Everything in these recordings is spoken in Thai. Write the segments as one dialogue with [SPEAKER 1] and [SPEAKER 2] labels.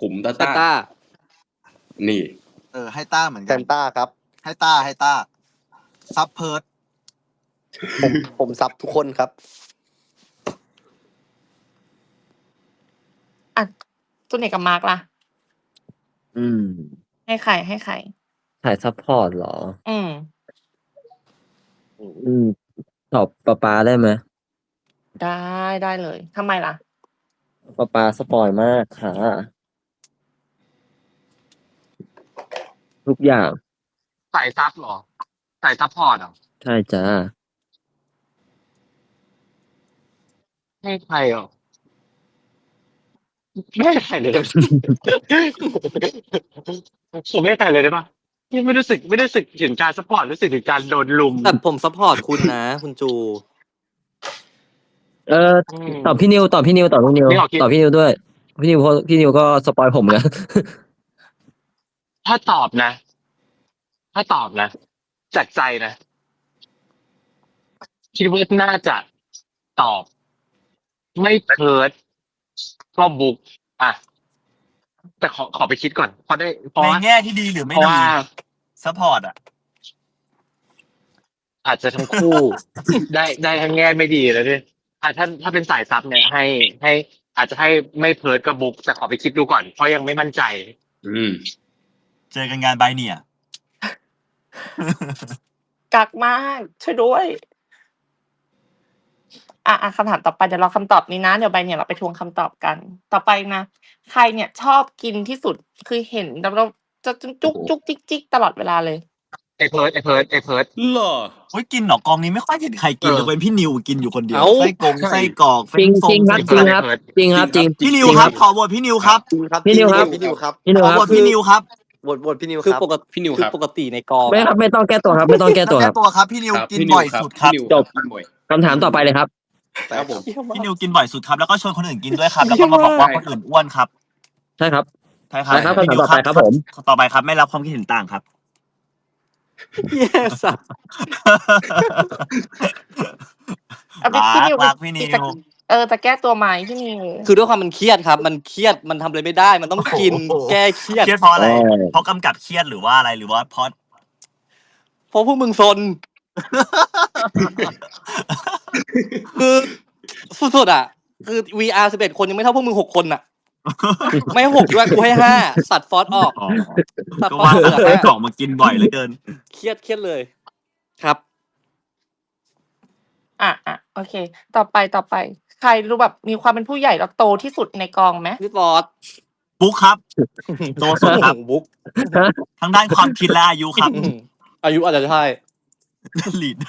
[SPEAKER 1] ขุมตา
[SPEAKER 2] ซาต้า
[SPEAKER 1] นี่
[SPEAKER 3] ให้ต้าเหมือน
[SPEAKER 4] แซ
[SPEAKER 3] กัน
[SPEAKER 4] นต้าครับ
[SPEAKER 3] ให้ต้าซับเพิร์ด
[SPEAKER 4] ผมซับทุกคนครับ
[SPEAKER 5] อ่ะจุนเอกกับมาร์กล่ะ
[SPEAKER 6] อืม
[SPEAKER 5] ให้ใครให้ใคร
[SPEAKER 6] ถ่ายซัพพอร์ตเหรอ
[SPEAKER 5] อืม
[SPEAKER 6] อืมตอบป๊าได้ไหม
[SPEAKER 5] ได้เลยทำไมล่ะ
[SPEAKER 6] ป๊าสปอยมากค่ะ ทุกอย่าง
[SPEAKER 7] ใส่ซับเหรอใส่ซัพพอร์ตเหรอ
[SPEAKER 6] ใช่จ้า
[SPEAKER 7] ให้ใครเหรอไม่ให้ใครเลยได้ปะ ผมไม่ให้ใครเลยได้ปะยังไม่รู้สึกถึงการซัพพอร์ตรู้สึกถึงการโดนลุม
[SPEAKER 2] แต่ผมซัพพอร์ตคุณนะ คุณจู
[SPEAKER 6] ตอบพี่นิวตอบพี่นิวตอบพี่นิว
[SPEAKER 7] ไม่ออกคิด
[SPEAKER 6] ตอบพี่นิวด้วย พี่นิวเพราะพี่นิวก็สปอยผมนะ
[SPEAKER 7] ถ้าตอบนะจากใจนะ คิดว่าน่าจะตอบ ไม่เพิร์ดก็บุ๊กอ่ะ แต่ขอไปคิดก่อนเพราะ
[SPEAKER 3] ใน
[SPEAKER 7] ว่า
[SPEAKER 3] แง่ที่ดีหรือไม่
[SPEAKER 7] เพราะ
[SPEAKER 3] ดี
[SPEAKER 7] ว่า
[SPEAKER 3] ซัพพอร์ตอ่ะ
[SPEAKER 7] อาจจะทั้งคู่ ได้ทั้งแง่ไม่ดีแล้วด้วยถ้าเป็นสายซับเนี่ยให้อาจจะให้ไม่เพิร์ดก็บุ๊กแต่ขอไปคิดดูก่อนเพราะยังไม่มั่นใจ
[SPEAKER 3] เจอกันงานใบเนี่ย
[SPEAKER 5] กักมากช่วยด้วย คำถามต่อไปเดี๋ยวรอคำตอบนี้นะ เดี๋ยวใบเนี่ยเราไปทวงคำตอบกัน ต่อไปนะ ใครเนี่ยชอบกินที่สุดคือเห็นแล้วเราจะจุกจิกตลอดเวลาเลย
[SPEAKER 7] ไอเพิร์ด
[SPEAKER 1] เหรอ
[SPEAKER 3] โอ้ยกินเหรอกองนี้ไม่ค่อยเห็นใครกิน
[SPEAKER 7] เออ
[SPEAKER 3] เลยเป็นพี่นิวกินอยู่คนเดียว
[SPEAKER 2] เอ้า
[SPEAKER 3] ไส้กรอก
[SPEAKER 6] จริงจริงครับจริงครับจริงครับจริง
[SPEAKER 3] พี่นิว
[SPEAKER 6] จริง
[SPEAKER 3] ครับขอโหวตพี่นิวครับ
[SPEAKER 6] พี่นิวครับ
[SPEAKER 4] พี่นิวครับ
[SPEAKER 6] พี่นิว
[SPEAKER 3] ขอ
[SPEAKER 6] ค
[SPEAKER 3] โห
[SPEAKER 6] รั
[SPEAKER 3] ว
[SPEAKER 6] บ
[SPEAKER 3] ตพี่นิวครับ
[SPEAKER 4] บทพี่นิว
[SPEAKER 2] คือ
[SPEAKER 4] ครับ
[SPEAKER 2] ปกติ
[SPEAKER 1] พี่นิว
[SPEAKER 2] คือ
[SPEAKER 1] ครับ
[SPEAKER 2] ปกติในกอง
[SPEAKER 6] ไม่ครับไม่ต้องแก้ตัวครับ ไม่ต้องแก้ตัว
[SPEAKER 3] แก้
[SPEAKER 6] ครับ
[SPEAKER 3] ตัวครับพี่นิว
[SPEAKER 1] ครับ
[SPEAKER 3] กินบ่อยสุดครับ
[SPEAKER 1] พี่นิว
[SPEAKER 6] จบ
[SPEAKER 1] กินบ่อย
[SPEAKER 6] คำถามต่อไปเลยครับ
[SPEAKER 4] ครับผม
[SPEAKER 3] พี่นิวกินบ่อยสุดครับแล้วก็ชวนคนอื่นกินด้วยครับแล้วก็มาบอกว่าคนอื่นอ้วนครับ
[SPEAKER 6] ใช่ครับ
[SPEAKER 3] ใช่ครับ
[SPEAKER 6] ใช่ครับ
[SPEAKER 3] พี่นิว
[SPEAKER 6] คำถามต่อไปครับผม
[SPEAKER 3] ต่อไปครับไม่รับความคิดเห็นต่างครับ
[SPEAKER 2] แย่สัส
[SPEAKER 5] เอาพี่นิว
[SPEAKER 3] รักพี่นิว
[SPEAKER 5] จะแก้ตัวไหมพี่นิว
[SPEAKER 2] คือด้วยความมันเครียดครับ มันเครียดมันทำอะไรไม่ได้ มันต้องกิน
[SPEAKER 3] โอ้โห
[SPEAKER 2] แก้เครียด
[SPEAKER 3] เครียดเพราะอะไร
[SPEAKER 6] เออ
[SPEAKER 3] เพราะกำกับเครียดหรือว่าอะไรหรือว่าเพราะ
[SPEAKER 2] เพราะพวกมึงซน คือสุดๆอ่ะ คือ VR 11 คนยังไม่เท่าพวกมึง6 คนอ่ะ ไม่ให้6ด้วยกูให้5ตัดฟอสออก
[SPEAKER 3] อ๋อ
[SPEAKER 2] ตัด
[SPEAKER 3] ก็
[SPEAKER 2] ฟอส
[SPEAKER 3] ว่า
[SPEAKER 2] เหลือ
[SPEAKER 3] ไส้
[SPEAKER 2] 5
[SPEAKER 3] กรอกมากินบ่อยเหลือเกิน
[SPEAKER 2] เครียดเลย ครับ
[SPEAKER 5] โอเค ต่อไป ใครรู้แบบมีความเป็นผู้ใหญ่แล้วโตที่สุดในกองไหม
[SPEAKER 2] พี่ฟอส
[SPEAKER 3] บุ๊กครับ โตสุดครับ
[SPEAKER 2] บุ๊ก
[SPEAKER 3] ทั้งด้านความคิดและอายุครับ
[SPEAKER 2] อายุอาจจะใช่
[SPEAKER 3] ลีด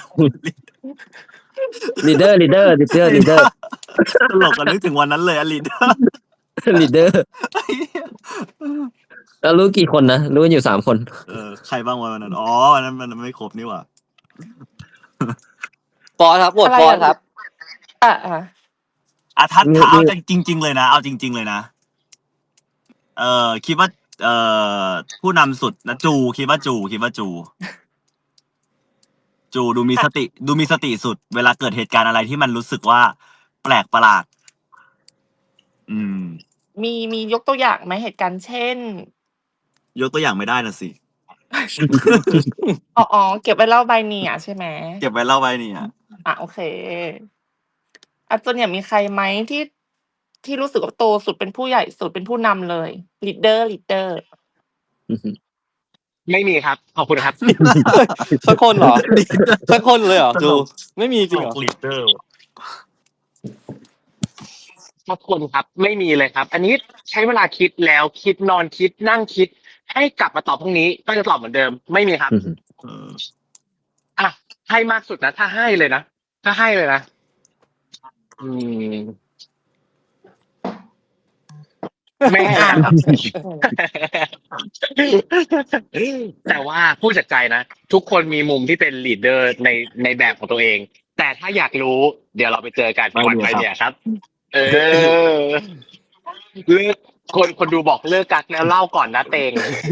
[SPEAKER 6] ลีดเดอร์
[SPEAKER 3] ตลกกันนึกถึงวันนั้นเลยอะลีด
[SPEAKER 6] ลีดเดอร์แล้วรู้กี่คนนะ รู้กันอยู่3 คน
[SPEAKER 3] ใครบ้างวันนั้นอ๋อวันนั้นมันไม่ครบนี่หว่า
[SPEAKER 2] ฟอสครับโหวต
[SPEAKER 5] อะไร
[SPEAKER 2] ฟอส
[SPEAKER 5] อ่ะ
[SPEAKER 2] ครับ
[SPEAKER 3] ถ้าเอาจริงๆเลยนะเอาจริงๆเลยนะคิดว่าผู้นำสุดนะคิดว่าจูดูมีสติสุด เวลาเกิดเหตุการณ์อะไรที่มันรู้สึกว่าแปลกประหลาด
[SPEAKER 5] มียกตัวอย่างไหมเหตุการณ์เช่น
[SPEAKER 3] ยกตัวอย่างไม่ได้นะสิ
[SPEAKER 5] อ๋อเก็บไว้เล่าใบเนี่ยใช่ไหม
[SPEAKER 3] เก็บไว้เล่าไว้เนี่ย
[SPEAKER 5] โอเคจนเนี่ยมีใครไหมที่รู้สึกว่าโตสุดเป็นผู้ใหญ่สุดเป็นผู้นำเลยลีดเดอร์
[SPEAKER 7] ไม่มีครับ ขอบคุณครับ
[SPEAKER 2] สักคนเหรอ สักคนเลยเหรอจูไม่มีจริงเหรอ
[SPEAKER 3] ลีดเดอร์
[SPEAKER 7] ขอบคุณครับ ไม่มีเลยครับ อันนี้ใช้เวลาคิดแล้วคิดนอนคิดนั่งคิด ให้กลับมาตอบพรุ่งนี้ก็จะตอบเหมือนเดิม ไม่มีครับ ให้มากสุดนะถ้าให้เลยนะไม่ให้ครับ แต่ว่าพูดจากใจนะทุกคนมีมุมที่เป็นลีดเดอร์ในแบบของตัวเอง แต่ถ้าอยากรู้เดี๋ยวเราไปเจอกันวันไปเนี่ยครับ เลิกคนดูบอกเลิกกักแล้วเล่าก่อนนะเตง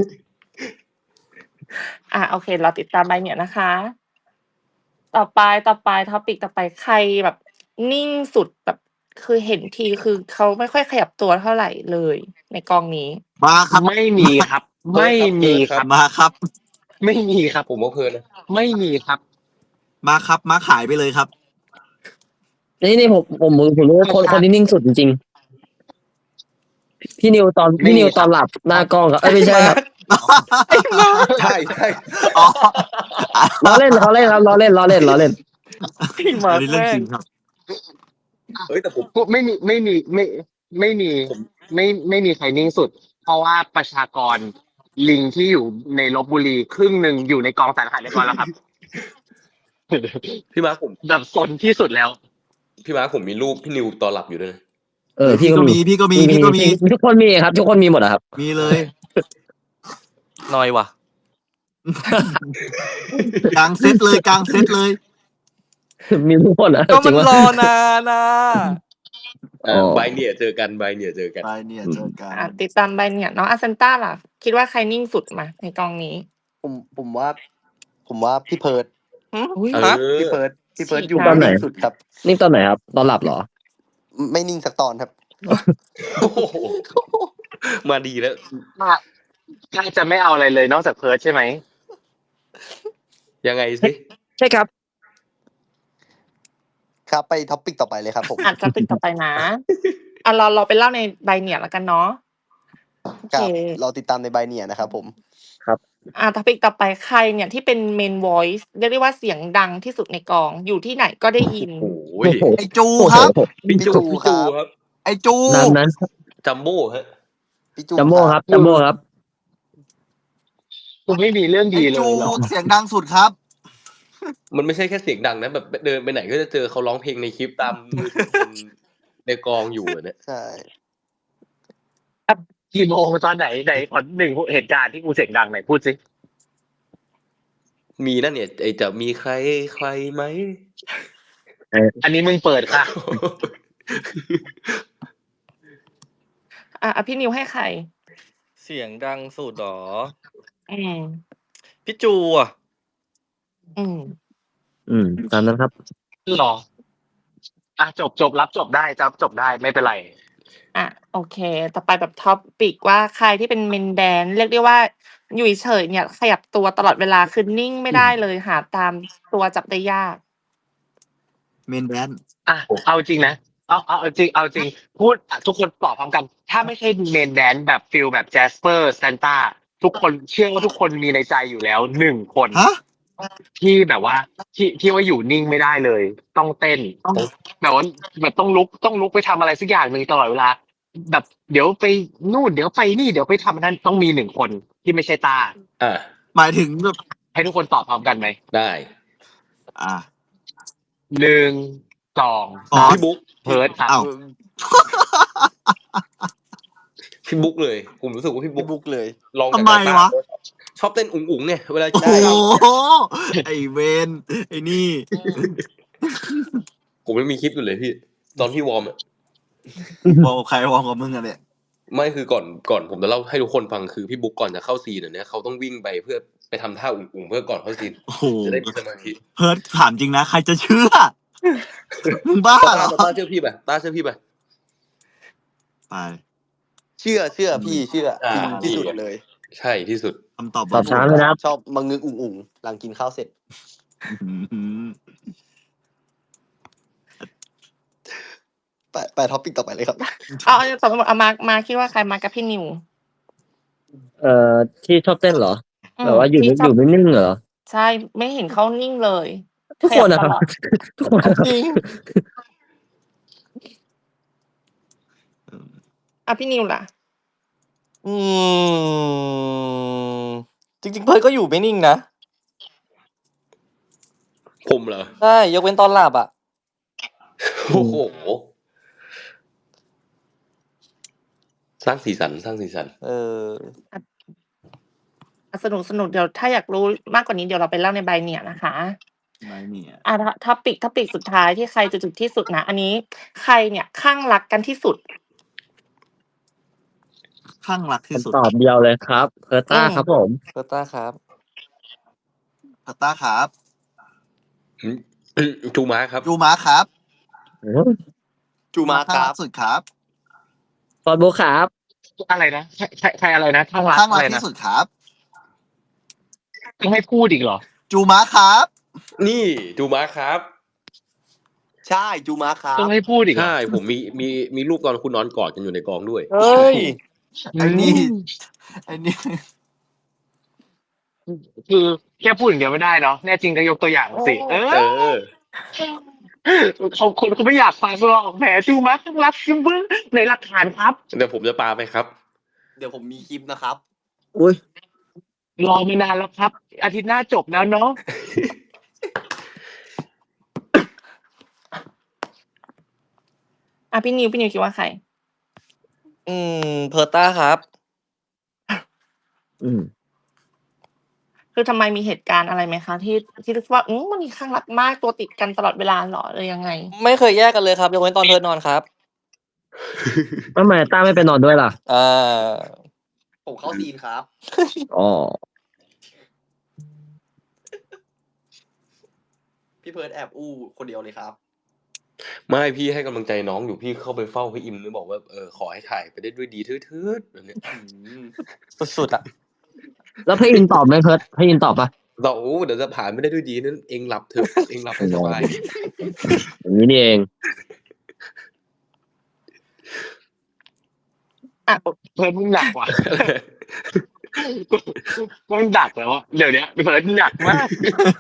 [SPEAKER 5] โอเค เราติดตามใบเนี่ยนะคะ ต่อไปท็อปิกต่อไปใครแบบนิ่งสุดแบบคือเห็นทีคือเขาไม่ค่อยขยับตัวเท่าไหร่เลย ในกองนี้
[SPEAKER 3] มาครับ
[SPEAKER 7] ไม่มีครับ ไม่มีครับ
[SPEAKER 3] มาครับ
[SPEAKER 7] ไม่มีครับ
[SPEAKER 1] ผมว่าเพลินนะ
[SPEAKER 7] ไม่มีครับ
[SPEAKER 3] มาครับมาขายไปเลยครับ
[SPEAKER 6] นี่ผมรู้ว่าคนที่นิ่งสุดจริงๆพี่นิวตอน
[SPEAKER 7] ไม่มี
[SPEAKER 6] พี่นิวตอน
[SPEAKER 7] ครับ
[SPEAKER 6] หลับหน้ากล้องครับไม่ใช่ครับ
[SPEAKER 1] ใช่ใช่
[SPEAKER 3] อ๋อ
[SPEAKER 6] ล้อเล่นครับล้อเล่น
[SPEAKER 2] พี่มา
[SPEAKER 3] อันนี้เรื่อง
[SPEAKER 2] แม่
[SPEAKER 3] จ
[SPEAKER 2] ง
[SPEAKER 3] ริงครับ
[SPEAKER 1] เอ้ยแต่ผม
[SPEAKER 7] ไม่มีไม่มีใครนิ่งสุด เพราะว่าประชากรลิงที่อยู่ในลพบุรีครึ่งหนึ่งอยู่ในกองสารอาหารเรียบร้อยแล้วครับ
[SPEAKER 1] พี่มาร์คผม
[SPEAKER 7] แบบซนที่สุดแล้ว
[SPEAKER 1] พี่มาร์คผมมีรูปพี่นิวตอนหลับอยู่ด้วยนะ
[SPEAKER 6] พี่ก็มี
[SPEAKER 3] พี่ก็มี
[SPEAKER 6] ทุกคนมีครับ ทุกคนมีหมดอะครับ
[SPEAKER 3] มีเลย
[SPEAKER 2] หน่อยว่ะ
[SPEAKER 3] กลางเซตเลย
[SPEAKER 6] มีทุกคนอะ
[SPEAKER 2] ก็
[SPEAKER 6] จ
[SPEAKER 2] มั
[SPEAKER 6] ริ
[SPEAKER 2] น
[SPEAKER 6] งว่า
[SPEAKER 2] รอนานนะ
[SPEAKER 6] อ๋อ
[SPEAKER 1] ใบเนี่ยเจอกันใบเนี่ยเจอกัน
[SPEAKER 3] ไปเนี่ยเจอกัน
[SPEAKER 5] ติดตามไปเนี่ยน้องอาเซนต้าล่ะ คิดว่าใครนิ่งสุดมาในกองนี้
[SPEAKER 4] ผมว่าพี่เพิร์ด
[SPEAKER 2] อุ้ย
[SPEAKER 1] เอ
[SPEAKER 2] ฮะ
[SPEAKER 1] อ
[SPEAKER 4] พี่เพิร์ดอยู่
[SPEAKER 6] ตอนไหน
[SPEAKER 4] นิ่งสุดครับ
[SPEAKER 6] นิ่งตอนไหนครับ ตอนหลับเหรอ
[SPEAKER 4] ไม่นิ่งสักตอนครับ
[SPEAKER 1] โอ้โหมาดีแล้ว
[SPEAKER 7] ใกล้จะไม่เอาอะไรเลยนอกจากเพิร์ดใช่ไหม
[SPEAKER 1] ยังไงสิ
[SPEAKER 6] ใช่ครับ
[SPEAKER 4] ครับไปท็อปปิกต่อไปเลยครับผม
[SPEAKER 5] อาจจะติดต่อไปนะเราไปเล่าในใบเนี่ยแล้วกันเนาะโอ
[SPEAKER 4] ค
[SPEAKER 5] เค
[SPEAKER 4] รับเราติดตามในใบเนี่ยนะครับผม
[SPEAKER 5] ท็อปิกต่อไปใครเนี่ยที่เป็นเมน voice เรียกได้ว่าเสียงดังที่สุดในกองอยู่ที่ไหนก็ได้ยิน
[SPEAKER 1] โอ้ย
[SPEAKER 3] ไอจูครับ
[SPEAKER 1] พี่จู
[SPEAKER 4] พี่
[SPEAKER 1] พี่
[SPEAKER 4] จู
[SPEAKER 1] จู
[SPEAKER 4] ค
[SPEAKER 1] ครับ รับ
[SPEAKER 3] ไอจู
[SPEAKER 6] นั้น
[SPEAKER 1] จัมโบ้ฮะ
[SPEAKER 4] พี่จู
[SPEAKER 6] จัมโบ้ครับ
[SPEAKER 7] กูไม่มีเรื่อง
[SPEAKER 3] ไอ
[SPEAKER 7] ดีเล
[SPEAKER 3] จู
[SPEAKER 7] ยหรอ
[SPEAKER 3] เสียงดังสุดครับ
[SPEAKER 1] มันไม่ใช่แค่เสียงดังนะแบบเดินไปไหนก็จะเจอเขาร้องเพลงในคลิปตามมือถือคนในกองอยู่อะเนี่ย
[SPEAKER 4] ใช่
[SPEAKER 7] กี่โมงตอนไหนขอหนึ่งเหตุการณ์ที่กูเสียงดังไหนพูดสิ
[SPEAKER 1] มีนั่นเนี่ยไอจะมีใครไหม
[SPEAKER 7] อันนี้มึงเปิดค่ะ
[SPEAKER 5] พี่นิวให้ใคร
[SPEAKER 2] เสียงดังสุดหรอ
[SPEAKER 5] อืม
[SPEAKER 2] พี่จูอ่ะ
[SPEAKER 6] ตามนั้นครับ
[SPEAKER 7] หรอจบรับจบได้ไม่เป็นไร
[SPEAKER 5] โอเค ต่อไปแบบท็อปปิกว่าใครที่เป็นเมนแดนเรียกได้ว่าอยู่เฉยๆเนี่ย ขยับตัวตลอดเวลาคือนิ่งไม่ได้เลยหาตามตัวจับได้ยาก
[SPEAKER 3] เมนแดน
[SPEAKER 7] เอาจริงนะเอาจริงพูดทุกคนตอบพร้อมกัน ถ้าไม่ใช่เมนแดนแบบฟิลแบบแจสเปอร์ซานต้าทุกคนเชื่อว่าทุกคนมีในใจอยู่แล้วหนึ่งคน
[SPEAKER 3] ฮะ
[SPEAKER 7] ที่แบบว่าที่ว่าอยู่นิ่งไม่ได้เลย ต้องเต้นแบบว่าแบบต้องลุกไปทำอะไรสักอย่างหนึ่งตลอดเวลา แบบเดี๋ยวไปนู่นเดี๋ยวไปนี่เดี๋ยวไปทำนั่นต้องมีหนึ่งคนที่ไม่ใช่ตา
[SPEAKER 1] อ่ะ
[SPEAKER 3] หมายถึงแบบ
[SPEAKER 7] ให้ทุกคนตอบพร้อมกันไหม
[SPEAKER 1] ได้
[SPEAKER 3] อ่า
[SPEAKER 7] 1 2
[SPEAKER 3] อ๋อ
[SPEAKER 1] พี่บุ๊ก
[SPEAKER 7] เพิร์ดครับ
[SPEAKER 3] อ้าว
[SPEAKER 1] พี่บุ๊กเลย ผมรู้สึกว่าพี่
[SPEAKER 4] พี่
[SPEAKER 1] บุ๊ก
[SPEAKER 4] บุ๊กเลย
[SPEAKER 1] ลอง
[SPEAKER 3] ทำไมวะ
[SPEAKER 1] ชอบเต้นอุ๋งๆเนี่ยเวลา
[SPEAKER 3] โอ้
[SPEAKER 1] ได้
[SPEAKER 3] โหไอเวนไอนี่
[SPEAKER 1] ผมไม่มีคลิปอยู่เลยพี่ ตอนพี่วอร์มอะ
[SPEAKER 3] บอกใครวองกับมึงอะเนี่ย
[SPEAKER 1] ไม่คือก่อนผมจะเล่าให้ทุกคนฟังคือพี่บุ๊กก่อนจะเข้าซีนเนี่ยเขาต้องวิ่งไปเพื่อไปทำท่าอุ๋งๆเพื่อก่อนเข้าซีน
[SPEAKER 3] โอ้โห
[SPEAKER 1] จะได้มีสมาธิ
[SPEAKER 3] เพิร์ดถามจริงนะ ใครจะเชื่อ มึงบ้าเหรอ
[SPEAKER 1] ต้าเชื่อพี่ป่ะต้าเชื่อพี่ป่ะ
[SPEAKER 3] ไป
[SPEAKER 4] เชื่อพี่เชื่อ
[SPEAKER 1] อ่า
[SPEAKER 4] ที่สุดเลย
[SPEAKER 1] ใช่ที่สุด
[SPEAKER 3] คำตอบ
[SPEAKER 6] ตอบช้าเลยนะครับ
[SPEAKER 4] ชอบมังงึกอุ่งๆหลังกินข้าวเสร็จ
[SPEAKER 3] อืม
[SPEAKER 4] ไปท็อปปิกต่อไปเลยครับ
[SPEAKER 5] สมมติมาคิดว่าใครมากับพี่นิว
[SPEAKER 6] ที่ชอบเต้นเหรอแบบว่าอยู่
[SPEAKER 5] ที่ชอบ
[SPEAKER 6] ไม่นิ่งเหรอ
[SPEAKER 5] ใช่ไม่เห็นเขานิ่งเลย
[SPEAKER 6] ทุกคนนะครับ
[SPEAKER 5] ขยัตลอด
[SPEAKER 6] ทุกคนนะครับ
[SPEAKER 5] จริงพี่นิวล่ะ
[SPEAKER 2] จริงๆเพิร์ดก็อยู่ไม่นิ่งนะ
[SPEAKER 1] ผมเหรอ
[SPEAKER 2] ใช่ยกเว้นตอนหลับอ่ะ
[SPEAKER 1] โอ้โหสร้างสีสัน
[SPEAKER 5] สนุกเดี๋ยวถ้าอยากรู้มากกว่านี้เดี๋ยวเราไปเล่าในใบเนี่ยนะคะ
[SPEAKER 3] ไม่เนี่ย
[SPEAKER 5] ท็อปิกสุดท้ายที่ใครจะจุดที่สุดนะอันนี้ใครเนี่ยข้างรักกันที่สุด
[SPEAKER 3] ข้างรักที่สุด
[SPEAKER 6] ตอบเดียวเลยครับเพิร์ต้าครับผม
[SPEAKER 2] เพิร์ต้าครับ
[SPEAKER 3] พัตตาครับ
[SPEAKER 1] จูมาครับ
[SPEAKER 3] จูมาครับ
[SPEAKER 4] จูมาครับ
[SPEAKER 3] สุดครับ
[SPEAKER 6] ฟอร์ดโบครับ
[SPEAKER 7] อะไรนะใครอะไรนะข้างรัก
[SPEAKER 3] ข้าง
[SPEAKER 7] อะ
[SPEAKER 3] รัก
[SPEAKER 7] ไรนะ
[SPEAKER 3] ที่สุดครับ
[SPEAKER 7] ต้องให้พูดอีกเหรอ
[SPEAKER 3] จูมาครับ
[SPEAKER 1] นี่จูมาครับ
[SPEAKER 4] ใช่จูมาครับ
[SPEAKER 7] ต้องให้พูดอีกเหรอ
[SPEAKER 1] ใช่ผมมีรูปตอนคุณนอนกอดกันอยู่ในกองด้วย
[SPEAKER 2] เฮ้ย
[SPEAKER 3] ไอ้นี่ไอ้นี่
[SPEAKER 7] คือแค่พูดอย่างเดียวไม่ได้เนาะแน่จริงก็ยกตัวอย่างสิ
[SPEAKER 1] เออ
[SPEAKER 7] คนเขาไม่อยากฟังหรอกแหมจูมาข้างรักซิมเบอร์ในหลักฐานครับ
[SPEAKER 1] เดี๋ยวผมจะปาไปครับ
[SPEAKER 4] เดี๋ยวผมมีคลิปนะครับ
[SPEAKER 6] อุ้ย
[SPEAKER 7] รอมานานแล้วครับ อาทิตย์หน้าจบแล้วเนาะ
[SPEAKER 5] อ่ะพี่นิวคิดว่าใคร
[SPEAKER 2] เพอร์ต้าครับ
[SPEAKER 6] อืม
[SPEAKER 5] คือทำไมมีเหตุการณ์อะไรไหมคะที่รู้สึกว่ามันมีข้างรักมากตัวติดกันตลอดเวลาเหรอหรือยังไง
[SPEAKER 2] ไม่เคยแยกกันเลยครับยกเว้นตอนเพิร์ดนอนครับ
[SPEAKER 6] ทำไมต้าไม่ไปนอนด้วยล่ะ
[SPEAKER 4] ผมเข้าซีนครับ
[SPEAKER 6] อ๋อ
[SPEAKER 4] พี่เพิร์ดแอบอู้คนเดียวเลยครับ
[SPEAKER 1] ไม่พี่ให้กำลังใจน้องอยู่พี่เข้าไปเฝ้าพี่อิมแล้วบอกว่าขอให้ถ่ายไปได้ด้วยดีเถิดแบบเนี้ย
[SPEAKER 2] สุดๆอ่ะ
[SPEAKER 6] แล้วพี่อินตอบไหมเพิร์ดพี่อินตอบปะ
[SPEAKER 1] เราเดี๋ยวจะผ่านไม่ได้ด้วยดีนั้นเองหลับเถอะเองหลับให้สบาย
[SPEAKER 6] อย่างนี้นี่เอง
[SPEAKER 5] อ่ะ
[SPEAKER 7] เพิร์ดมึงหนักว่ะมึงดักแล้วอะเดี๋ยวนี้เพิร์ดหนักมาก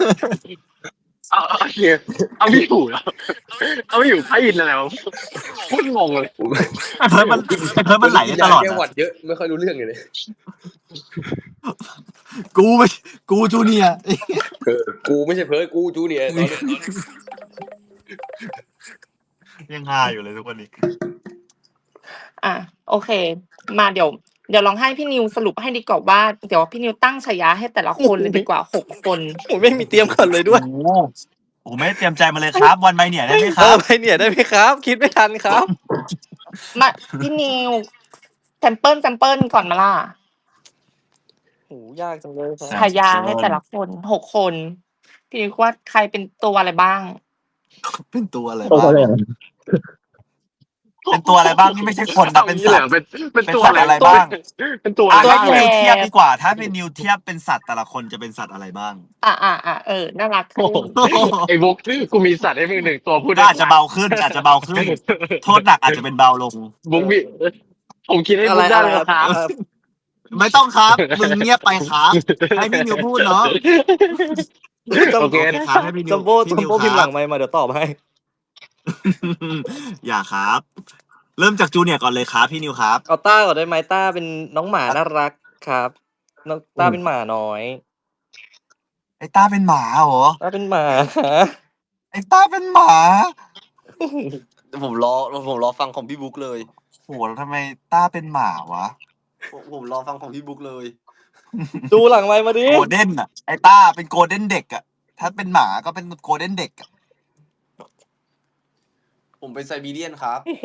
[SPEAKER 7] เอาเฮียเอาไม่อยู่แล้วเอาไม่อยู่พระอินทร์อะไรวะพูดงงเลย
[SPEAKER 3] ไอ้เพิร์ดมันไหลได้ตลอด
[SPEAKER 1] แก
[SPEAKER 3] นะ
[SPEAKER 1] หวัดเยอะไม่ค่อยรู้เรื่องเลย
[SPEAKER 3] กูจูเนียร์
[SPEAKER 1] กูไม่ใช่เพิร์ดกูจูเนียร์ตอนนี้
[SPEAKER 3] ยังฮาอยู่เลยทุกวันนี้
[SPEAKER 5] อ่ะโอเค มาเดี๋ยวลองให้พี่นิวสรุปให้ดีกว่าว่าเดี๋ยวพี่นิวตั้งฉายาให้แต่ละคนเลยดีกว่า6 คน
[SPEAKER 2] ผมไม่มีเตรียมกันเลยด้วย
[SPEAKER 3] โอ้ไม่ได้เตรียมใจมาเลยครับ วันใบเนี่ยได้ไหมค
[SPEAKER 2] เอ
[SPEAKER 3] รั
[SPEAKER 2] อบ ไปเนี่ยได้ไหมครับ คิดไม่ทันครับ
[SPEAKER 5] มาพี่นิวแซมเปิลก่อนมาล่ะ
[SPEAKER 2] โหยากจังเลยครับ
[SPEAKER 5] ฉายาให้แต่ละคน6 คนพี่นิวว่าใครเป็นตัวอะไรบ้าง
[SPEAKER 3] เป็นตัวอะไร
[SPEAKER 6] ตัว
[SPEAKER 3] บ้าง
[SPEAKER 6] อะไรอ่ะ
[SPEAKER 3] เป็นตัวอะไรบ้างนี่ไม่ใช่คนนะเป็นสัตว์
[SPEAKER 7] เป็นตัว
[SPEAKER 3] เป็นสัตว์อะไรบ้าง
[SPEAKER 7] เป็นตัว
[SPEAKER 3] อ่ะ
[SPEAKER 7] อะไร
[SPEAKER 3] ให้
[SPEAKER 7] บ้าง
[SPEAKER 3] นิวเทียบดีกว่า ถ้าเป็นนิวเทียบเป็นสัตว์แต่ละคนจะเป็นสัตว์อะไรบ้าง
[SPEAKER 5] น่ารัก
[SPEAKER 7] โอ้โหไอ้บุ๊กกูมีสัตว์ให้มึง1 ตัวพูด
[SPEAKER 3] ก็
[SPEAKER 7] ได้
[SPEAKER 3] อาจจะเบาขึ้น อาจจะเบาขึ้น โทษหนักอาจจะเป็นเบาลง
[SPEAKER 7] บุ๊กมีผมคิดให้
[SPEAKER 2] อะ
[SPEAKER 7] บุ๊
[SPEAKER 2] ไร
[SPEAKER 7] กได้
[SPEAKER 2] อะไร
[SPEAKER 7] เลย
[SPEAKER 2] ครับ
[SPEAKER 7] ครับ
[SPEAKER 3] ไม่ต้องครับ มึงเงียบไปครับ ให้พี่นิวพูดเนาะ
[SPEAKER 7] โอเค
[SPEAKER 3] ครับให้พี่นิว
[SPEAKER 2] จัมโบ้
[SPEAKER 3] พี่นิว
[SPEAKER 2] พิมพ์ห
[SPEAKER 3] ค
[SPEAKER 2] ลั
[SPEAKER 3] รับ
[SPEAKER 2] งไมค์มาเดี๋ยวตอบให้
[SPEAKER 3] อย่าครับ เริ่มจากจูเนียร์ก่อนเลยครับพี่นิวครับ
[SPEAKER 2] เอาต้าก่อนได้ไหมต้าเป็นน้องหมาน่ารักครับน้องต้าเป็นหมาน้อย
[SPEAKER 3] ไอ้ต้าเป็นหมาเหรอ
[SPEAKER 2] ต้าเป็นหมา
[SPEAKER 3] ไอ้ต้าเป็นหมา
[SPEAKER 4] ผมรอฟังของพี่บุ๊กเลย
[SPEAKER 3] โหแล้วทำไมต้าเป็นหมาวะ
[SPEAKER 4] ผมรอฟังของพี่บุ๊กเลย
[SPEAKER 2] ดูหลังไมค์มาดิ
[SPEAKER 3] โกลเด้นอ่ะไอ้ต้าเป็นโกลเด้นเด็กอ่ะถ้าเป็นหมาก็เป็นโกลเด้นเด็กอ่ะ
[SPEAKER 4] ผมเป็นไซบีเรียนครับ
[SPEAKER 2] โอ้โห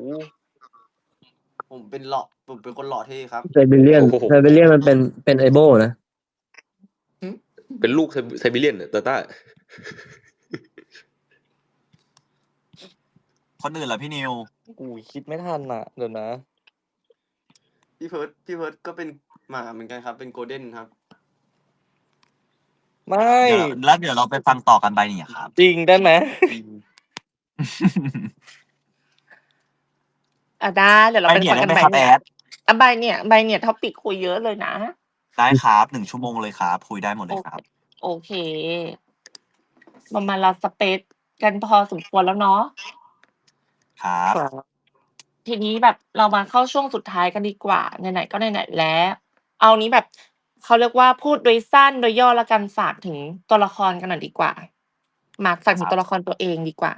[SPEAKER 4] ผมเป็นคนหล่อเท่ครับ
[SPEAKER 6] ไซบีเรียนมันเป็นไอโบนะ
[SPEAKER 1] เป็นลูกไซบีเรียนตาต้า
[SPEAKER 3] คนอื่นล่ะพี่นิว
[SPEAKER 2] กูคิดไม่ทันอ่ะเดี๋ยวนะ
[SPEAKER 4] พี่เพิร์ดก็เป็นหมาเหมือนกันครับ เป็นโกลเด้นครับ
[SPEAKER 2] ไม่
[SPEAKER 3] เดี๋ยวเราไปฟังต่อกันไปเนี่ยครับ
[SPEAKER 2] จริงได้ไหม
[SPEAKER 5] ได้เดี๋ยวเรา
[SPEAKER 3] ไป
[SPEAKER 5] ไป
[SPEAKER 3] เนี่ย
[SPEAKER 5] ฟัง
[SPEAKER 3] ได้
[SPEAKER 5] กัน
[SPEAKER 3] ไหม
[SPEAKER 5] ให
[SPEAKER 3] ครับแอ
[SPEAKER 5] ม่
[SPEAKER 3] ด
[SPEAKER 5] ใบเนี่ยท็อปิกคุยเยอะเลยนะ
[SPEAKER 3] ได้ครับ1 ชั่วโมงเลยครับ คุยได้หมดเลยครับ
[SPEAKER 5] โอเคประมาณเราสเปซกันพอสมควรแล้วเนาะ
[SPEAKER 3] ครับ
[SPEAKER 5] ทีนี้แบบเรามาเข้าช่วงสุดท้ายกันดีกว่าไหนๆก็ไหนๆแล้ว เอานี้แบบเขาเรียกว่าพูดโดยสั้นโดยย่อแล้วกันฝากถึงตัวละครกันหน่อยดีกว่ามาฝากถึงตัวละครตัวเองดีกว่า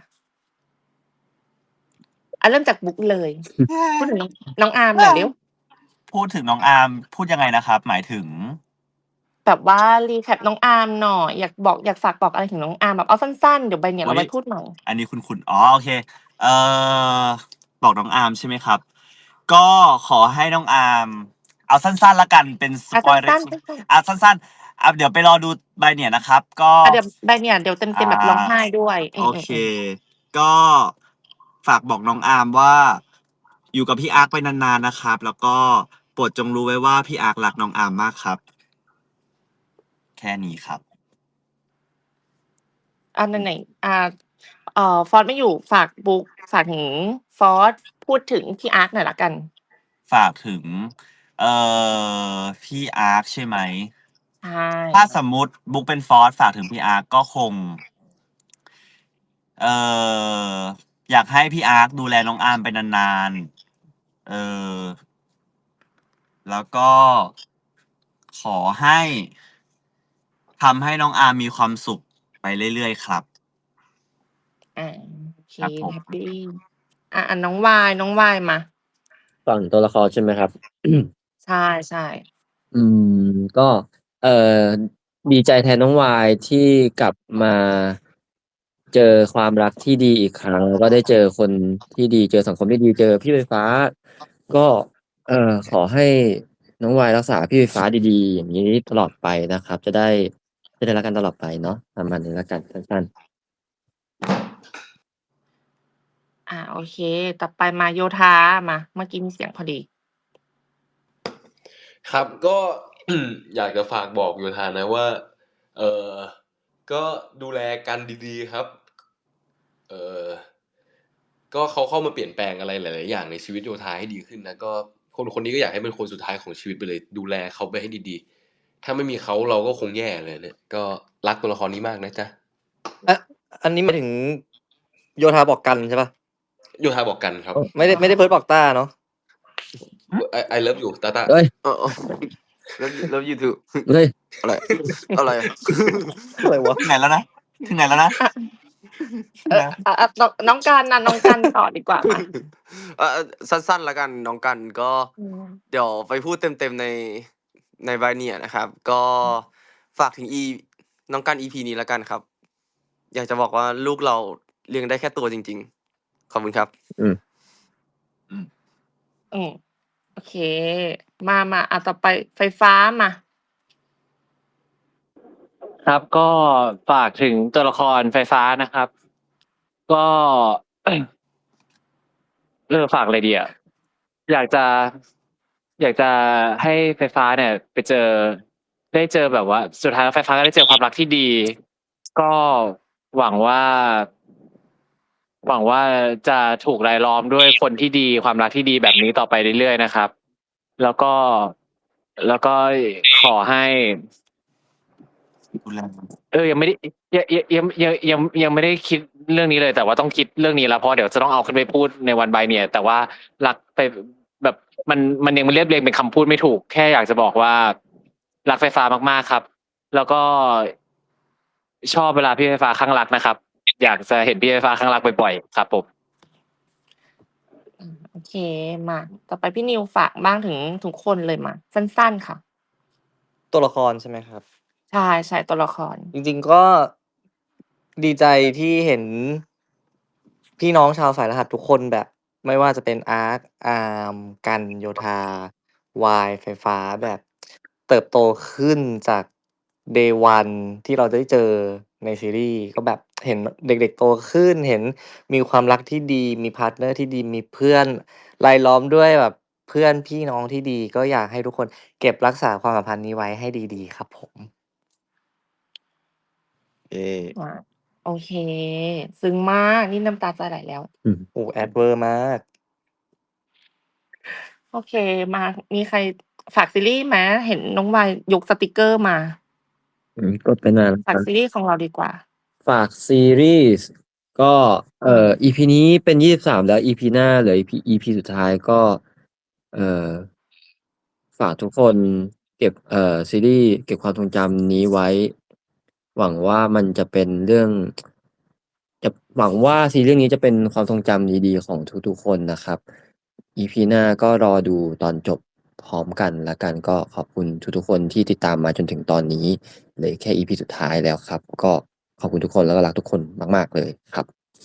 [SPEAKER 5] เริ่มจากบุ๊กเลยพูดถึงน้องอาร์มหน่อยเร็ว
[SPEAKER 3] พูดถึงน้องอาร์มพูดยังไงนะครับ หมายถึง
[SPEAKER 5] แบบว่ารีแคปน้องอาร์มหน่อยอยากฝากบอกอะไรถึงน้องอาร์มแบบเอาสั้นๆเดี๋ยวใบเนี่ยเราไปพูดใหม่
[SPEAKER 3] อันนี้คุณอ๋อโอเคบอกน้องอาร์มใช่ไหมครับ ก็ขอให้น้องอาร์มเอาสั้นๆละกันเป็นสปอยล์
[SPEAKER 5] สั้น
[SPEAKER 3] สั้นๆเดี๋ยวไปรอดูใบเนี่ยนะครับ ก็
[SPEAKER 5] เดี๋ยวใบเนี่ยเดี๋ยวเต็มๆแบบร้องไห้ด้วย
[SPEAKER 3] โอเค ก็ฝากบอกน้องอาร์มว่า อยู่กับพี่อาร์คไปนานๆนะครับ แล้วก็โปรดจงรู้ไว้ว่าพี่อาร์ครักน้องอาร์มมากครับ แค่นี้ครับ
[SPEAKER 5] ไหนฟอร์สไม่อยู่ฝากบุ๊กฝากถึงฟอร์สพูดถึงพี่อาร์คหน่อยละกัน
[SPEAKER 3] ฝากถึง พี่อาร์คใช่ไหม
[SPEAKER 5] ใช่
[SPEAKER 3] ถ้าสมมุติบุ๊กเป็นฟอสฝากถึงพี่อาร์คก็คง อยากให้พี่อาร์คดูแลน้องอาร์มไปนานๆแล้วก็ขอให้ทำให้น้องอาร์มมีความสุขไปเรื่อยๆครับ
[SPEAKER 5] โอเค
[SPEAKER 3] ครับผม
[SPEAKER 5] แฮปปี้น้องวายมา
[SPEAKER 6] ฝั่งตัวละครใช่ไหมครับ
[SPEAKER 5] ใช่ใช่
[SPEAKER 6] ก็เอ่อดีใจแทนน้องวายที่กลับมาเจอความรักที่ดีอีกครั้งแล้วก็ได้เจอคนที่ดีเจอสังคมที่ดีเจอพี่ไฟฟ้า ก็ขอให้น้องวายรักษาพี่ไฟฟ้าดีๆ อย่างนี้ตลอดไปนะครับ จะได้รักกันตลอดไปเนาะประมาณนี้แล้วกันสั้น
[SPEAKER 5] โอเค ต่อไปมาโยธามาเมื่อกี้มีเสียงพอดี
[SPEAKER 1] ครับก็ อยากจะฝากบอกโยธานะว่า ก็ดูแลกันดีๆครับ ก็เขาเข้ามาเปลี่ยนแปลงอะไรหลายๆอย่างในชีวิตโยธาให้ดีขึ้นนะก็คนนี้ก็อยากให้เป็นคนสุดท้ายของชีวิตไปเลย ดูแลเขาไปให้ดีๆ ถ้าไม่มีเขาเราก็คงแย่เลยเนี่ย ก็รักตัวละครนี้มากนะจ๊ะ
[SPEAKER 2] อันนี้หมายถึงโยธาบอกกันใช่ป่ะ
[SPEAKER 1] โยธาบอกกันครับ
[SPEAKER 2] ไม่ได้เพิร์ดบอกต้าเนาะ
[SPEAKER 1] I love you ตาตา
[SPEAKER 6] ๆเอ้ย
[SPEAKER 4] แล้วยูทูบ
[SPEAKER 6] เฮ้ย
[SPEAKER 4] อะไรอะไรอะ
[SPEAKER 2] อะไรวะ
[SPEAKER 3] ถึงไหนแล้วนะ
[SPEAKER 5] น้องกันนะน้องกันต่อดีกว่ามา
[SPEAKER 4] สั้นๆแล้วกันน้องกันก็เดี๋ยวไปพูดเต็มๆในใบเนี่ยนะครับ ก็ฝากถึงน้องกัน EP นี้แล้วกันครับ อยากจะบอกว่าลูกเราเลี้ยงได้แค่ตัวจริงๆ ขอบคุณครับ
[SPEAKER 5] โอเค มาต่อไปไฟฟ้ามา
[SPEAKER 7] ครับก็ฝากถึงตัวละครไฟฟ้านะครับ ก็ ฝากอะไรดีอ่ะอยากจะให้ไฟฟ้าเนี่ยไปได้เจอแบบว่า สุดท้ายไฟฟ้าก็ได้เจอความรักที่ดี ก็หวังว่าจะถูกรายล้อมด้วยคนที่ดีความรักที่ดีแบบนี้ต่อไปเรื่อยๆนะครับ แล้วก็ขอให้
[SPEAKER 3] ดูแล
[SPEAKER 7] ยังไม่ได้ยังไม่ได้คิดเรื่องนี้เลย แต่ว่าต้องคิดเรื่องนี้แล้วเพราะเดี๋ยวจะต้องเอาขึ้นไปพูดในวันบายเนี่ย แต่ว่ารักไปแบบมันยังเรียบเรียงเป็นคำพูดไม่ถูก แค่อยากจะบอกว่ารักไฟฟ้ามากๆครับ แล้วก็ชอบเวลาพี่ไฟฟ้าข้างรักนะครับ อยากจะเห็นพี่ไฟฟ้าข้างรักบ่อยๆครับผม
[SPEAKER 5] โอเคมาต่อไปพี่นิวฝากบ้างถึงทุกคนเลยมา สั้นๆค่ะ
[SPEAKER 2] ตัวละครใช่ไหมครับ
[SPEAKER 5] ใช่ตัวละคร
[SPEAKER 2] จริงๆก็ดีใจที่เห็นพี่น้องชาวสายรหัสทุกคนแบบ ไม่ว่าจะเป็นอาร์คอาร์มกันโยธาวายไฟฟ้าแบบเติบโตขึ้นจาก day one ที่เราได้เจอในซีรีส์ก็แบบเห็นเด็กๆโตขึ้น เห็นมีความรักที่ดี มีพาร์ทเนอร์ที่ดี มีเพื่อนรายล้อมด้วยแบบเพื่อนพี่น้องที่ดี ก็อยากให้ทุกคนเก็บรักษาความสัมพันธ์นี้ไว้ให้ดีๆครับผม
[SPEAKER 5] โอเค ซึ้งมากนี่น้ำตาจะไหลแล้ว
[SPEAKER 2] โอ้แอดเวอร์มาก
[SPEAKER 5] โอเคมามีใครฝากซีรีส์ไหมเห็นน้องวายยกสติกเกอร์มา
[SPEAKER 6] กดไปนานแล้ว
[SPEAKER 5] ฝาก
[SPEAKER 6] ครับ
[SPEAKER 5] ซีรีส์ของเราดีกว่า
[SPEAKER 6] ฝากซีรีส์ก็EP นี้เป็น 23 แล้ว EP หน้าเหลือ EP สุดท้ายก็ฝากทุกคนเก็บซีรีส์เก็บความทรงจำนี้ไว้ หวังว่ามันจะเป็นเรื่องหวังว่าซีรีส์เรื่องนี้จะเป็นความทรงจำดีๆของทุกๆคนนะครับ EP หน้าก็รอดูตอนจบพร้อมกันแล้วกันก็ขอบคุณทุกๆคนที่ติดตามมาจนถึงตอนนี้เหลือแค่ EP สุดท้ายแล้วครับ ก็ขอบคุณทุกคนแล้วก็รักทุกคนมากๆเลยครับ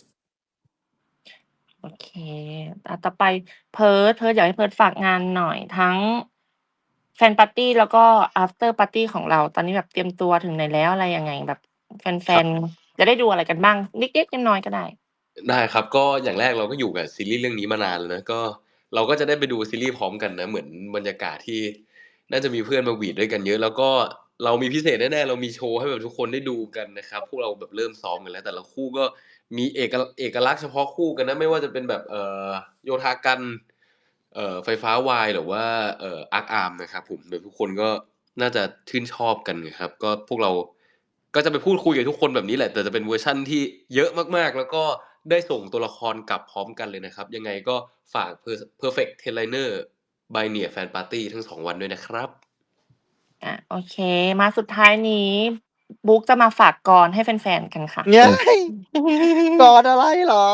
[SPEAKER 5] โอเคต่อไปเพิร์ดอยากให้เพิร์ดฝากงานหน่อยทั้งแฟนปาร์ตี้แล้วก็ after party ของเรา ตอนนี้แบบเตรียมตัวถึงไหนแล้วอะไรยังไงแบบแฟนๆจะได้ดูอะไรกันบ้างเล็กๆน้อยๆก็ได้
[SPEAKER 1] ได้ครับ ก็อย่างแรกเราก็อยู่กับซีรีส์เรื่องนี้มานานแล้วนะ ก็เราก็จะได้ไปดูซีรีส์พร้อมกันนะ เหมือนบรรยากาศที่น่าจะมีเพื่อนมาหวีดด้วยกันเยอะ แล้วก็เรามีพิเศษแน่ๆ เรามีโชว์ให้แบบทุกคนได้ดูกันนะครับ พวกเราแบบเริ่มซ้อมกันแล้ว แต่ละคู่ก็มีเอกลักษณ์เฉพาะคู่กันนะ ไม่ว่าจะเป็นแบบโยธากันไฟฟ้าวายหรือว่าอาร์คอาร์มนะครับผมโดยทุกคนก็น่าจะชื่นชอบกันนะครับ ก็พวกเราก็จะไปพูดคุยกับทุกคนแบบนี้แหละ แต่จะเป็นเวอร์ชั่นที่เยอะมากๆ แล้วก็ได้ส่งตัวละครกลับพร้อมกันเลยนะครับ ยังไงก็ฝาก Perfect Tenliner by Nia Fan Party ทั้ง2วันด้วยนะครับ
[SPEAKER 5] โอเค มาสุดท้ายนี้ บุ๊กจะมาฝากกลให้แฟนๆกันค่ะ
[SPEAKER 2] เย้ยกอดอะไรเหรอ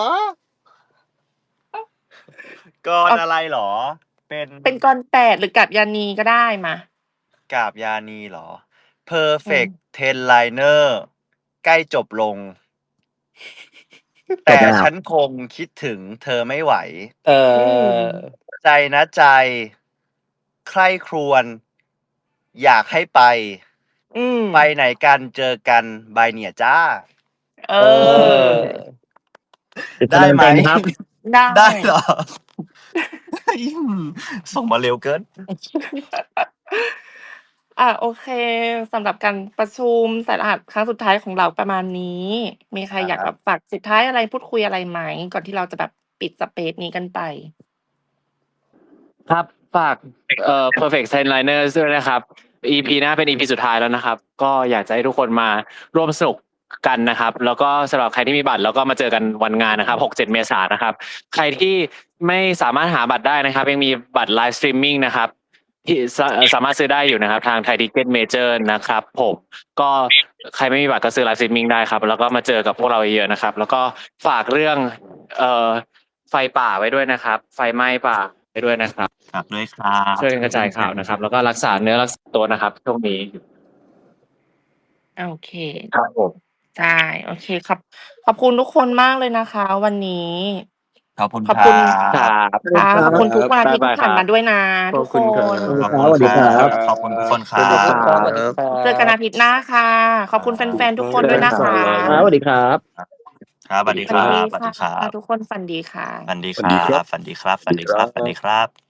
[SPEAKER 3] กรอะไรเหรอ
[SPEAKER 5] เป็นกล8หรือกาบยานีก็ได้มา
[SPEAKER 3] กาบยานีเหรอ Perfect Ten Liner ใกล้จบลง แต่ฉันคงคิดถึงเธอไม่ไหว ใจนะใจ ใคร่ครวญอยากให้ไป ไปไหนกันเจอกันบายเนี่ยจ้า ได้ไหม
[SPEAKER 6] ครับ
[SPEAKER 3] ได้เหรอ ส่งมาเร็วเกิน
[SPEAKER 5] โอเคสำหรับการประชุมสายรหัสครั้งสุดท้ายของเราประมาณนี้ มีใครอยาก
[SPEAKER 3] ครับ
[SPEAKER 5] แบบฝากสุดท้ายอะไรพูดคุยอะไรไหม ก่อนที่เราจะแบบปิดสเปซนี้กันไป
[SPEAKER 7] ครับฝากPerfect Tenliners ด้วยนะครับ EP หน้าเป็น EP สุดท้ายแล้วนะครับ ก็อยากจะให้ทุกคนมาร่วมสนุกกันนะครับ แล้วก็สำหรับใครที่มีบัตรแล้วก็มาเจอกันวันงานนะครับ 6-7 เมษายนนะครับ ใครที่ไม่สามารถหาบัตรได้นะครับ ยังมีบัตรไลฟ์สตรีมมิ่งนะครับ ที่สามารถซื้อได้อยู่นะครับ ทาง Thai Ticket Major นะครับผมก็ใครไม่มีบัตรก็ซื้อไลฟ์สตรีมมิ่งได้ครับ แล้วก็มาเจอกับพวกเราเยอะๆนะครับ แล้วก็ฝากเรื่องไฟป่าไว้ด้วยนะครับ ไฟไหม้ป่าไปด้วยนะครับ
[SPEAKER 3] ฝากด้วยครับ
[SPEAKER 7] ช่วยกันกระจายข่าวนะครับ แล้วก็รักษาเนื้อรักษาตัวนะครับช่วงนี้
[SPEAKER 5] โอเค
[SPEAKER 7] ครับผม
[SPEAKER 5] ใช่โอเคขอบคุณทุกคนมากเลยนะคะ วันนี้
[SPEAKER 3] ขอบคุณ
[SPEAKER 5] ขอบคุณ
[SPEAKER 3] ครับ
[SPEAKER 5] ค่ะขอบคุณทุกวันอาทิตย์
[SPEAKER 7] บ๊ายบาย
[SPEAKER 5] ที่ผ่านมาด้วยนะ
[SPEAKER 1] ข
[SPEAKER 5] ทุ
[SPEAKER 1] อบ
[SPEAKER 5] ก
[SPEAKER 1] คุณ
[SPEAKER 5] ค
[SPEAKER 1] ครับ
[SPEAKER 5] น
[SPEAKER 3] ขอบคุณ
[SPEAKER 6] สวัสดีครับ
[SPEAKER 3] ขอบคุณทุกคนครั
[SPEAKER 2] ขอบคุณ
[SPEAKER 3] บ
[SPEAKER 2] ครับสวัสดีครับ
[SPEAKER 5] เจอกันอาทิตย์หน้าค่ะ ขอบคุณแฟนๆทุกคนด้วยนะคะ
[SPEAKER 6] ครับสวัสดีครับ
[SPEAKER 3] ครับสวัสดีค
[SPEAKER 5] ฝัน
[SPEAKER 3] รั
[SPEAKER 5] ดี
[SPEAKER 3] บสวัสดีค
[SPEAKER 5] ค่ะ
[SPEAKER 3] รับ
[SPEAKER 5] ทุกคนฝันดีค่ะ
[SPEAKER 3] ฝันดีค
[SPEAKER 1] ฝันดีครั
[SPEAKER 3] รับ บฝันดีครับฝันดีครับฝันดีครับ